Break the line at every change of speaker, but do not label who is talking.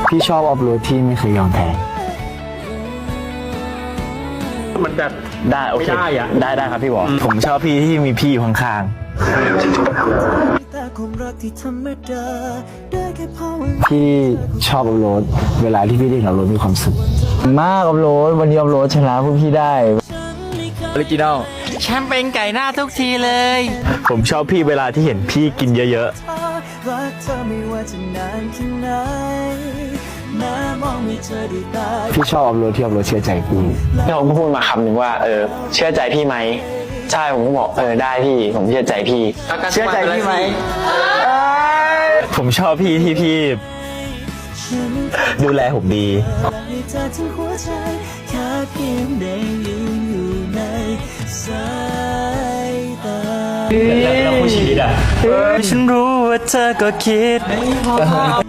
พี่ชอบออฟโรดที่ไม่เคยยอมแพ้
มันแบบ
ได้โอเค
ไม่ได้อะ
ได้ครับพี่บอกผมชอบพี่ที่มีพี่อยู่ข้างๆพี่ชอบออฟโรดเวลาที่พี่เล่นออฟโรดมีความสุขมากออฟโรดวันนี้ออฟโรดชนะพวกพี่ได้ออริจินอล
แชมป์เป็นไก่หน้าทุกทีเลย
ผมชอบพี่เวลาที่เห็นพี่กินเยอะๆพี่ชอบออฟโรดที่ออฟโรดเชื่อใจพี่พี่เขาพูดมาคำหนึ่งว่าเชื่อใจพี่ไหมใช่ผมก็บอกได้พี่ผมเชื่อใจพี่เชื่อใจพี่ไหมผมชอบพี่ที่พี่ดูแลผมดีแล้วคู่ชีวิตอ่ะ
ฉันรู้ว่าเธอก็คิด